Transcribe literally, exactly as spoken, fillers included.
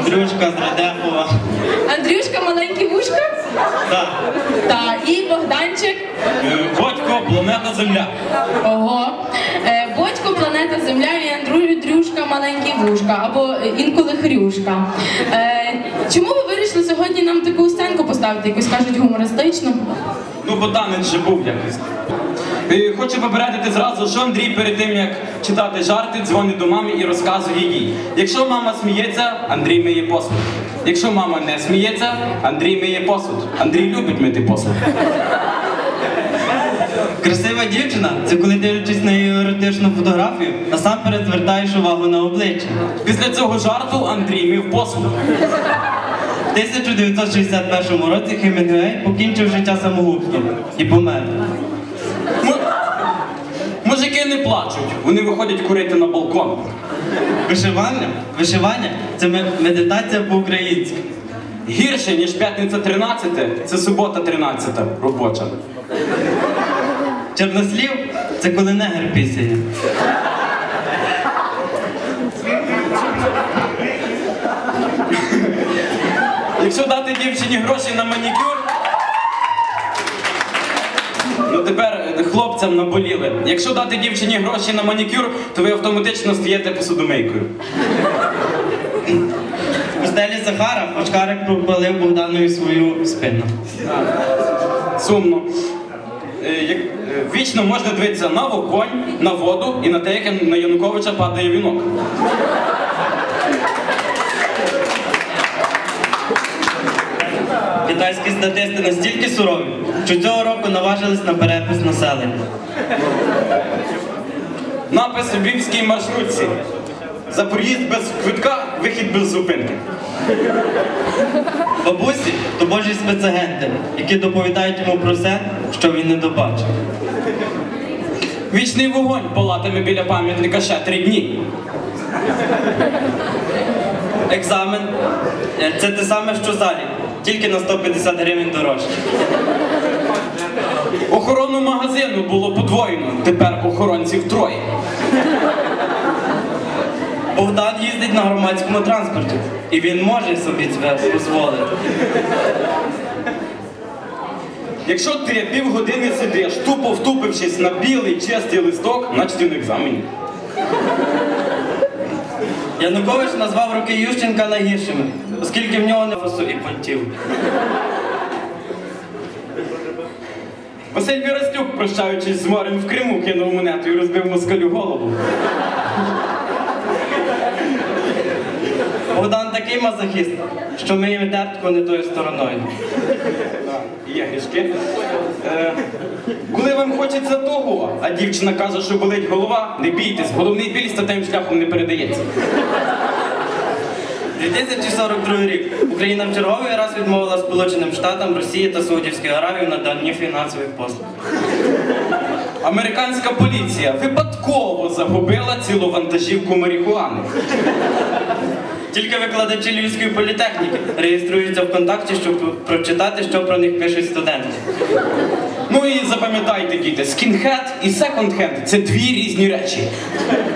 Андрюшка з Радехова. Андрюшка маленькі вушка? Так. Так, і Богданчик. Бодько, планета Земля. Ого. Е, Бодько, планета Земля і Андрю, Дрюшка, маленькі вушка, або інколи Хрюшка. Е, чому ви вирішили сьогодні нам таку сценку поставити, якусь кажуть гумористичну? Ну, бо танець же був якось. Е, Хочу попередити зразу, що Андрій перед тим, як читати жарти, дзвонить до мами і розказує їй. Якщо мама сміється, Андрій миє посуд. Якщо мама не сміється, Андрій миє посуд. Андрій любить мити посуд. Красива дівчина – це коли дивлячись на її еротичну фотографію, насамперед звертаєш увагу на обличчя. Після цього жарту Андрій мив посуд. В тисяча дев'ятсот шістдесят першому році Хемінгуей покінчив життя самогубством і помер. М- Мужики не плачуть, вони виходять курити на балкон. Вишивання? Вишивання – це медитація по-українськи. Гірше, ніж п'ятниця тринадцяте, це субота тринадцята, робоча. Чорнослів – це коли негр пісяє. Якщо дати дівчині гроші на манікюр, ну тепер хлопцям наболіли. Якщо дати дівчині гроші на манікюр, то ви автоматично стаєте посудомийкою. У стелі Захара Очкарик пропалив Богданові свою спину. Сумно. Е, як- е, Вічно можна дивитися на вогонь, на воду і на те, як на Януковича падає вінок. Китайські статисти настільки сурові, що цього року наважились на перепис населення. Напис у львівській маршрутці. За проїзд без квитка, вихід без зупинки. Бабусі – то божі спецагенти, які доповідають йому про все, що він не добачив. Вічний вогонь палатиме біля пам'ятника ще три дні. Екзамен – це те саме, що залі, тільки на сто п'ятдесят гривень дорожче. Охорону магазину було подвоєно, тепер охоронців троє. Богдан їздить на громадському транспорті, і він може собі це дозволити. Якщо ти півгодини сидиш, тупо втупившись на білий чистий листок, значить ти на екзамені. Янукович назвав роки Ющенка найгіршими, оскільки в нього не фасу і понтів. Василь Вірастюк, прощаючись з морем в Криму, кинув монету і розбив москалю голову. Богдан такий мазохіст, що миє тертку не тою стороною. Є грішки. Е, коли вам хочеться того, а дівчина каже, що болить голова, не бійтесь, головний біль статевим шляхом не передається. дві тисячі сорок другий рік. Україна в черговий раз відмовила Сполученим Штатам, Росії та Саудівській Аравії в наданні фінансових послуг. Американська поліція випадково загубила цілу вантажівку марихуани. Тільки викладачі Львівської політехніки реєструються в контакті, щоб прочитати, що про них пишуть студенти. Ну і запам'ятайте, діти, скінхед і секонд-хенд – це дві різні речі.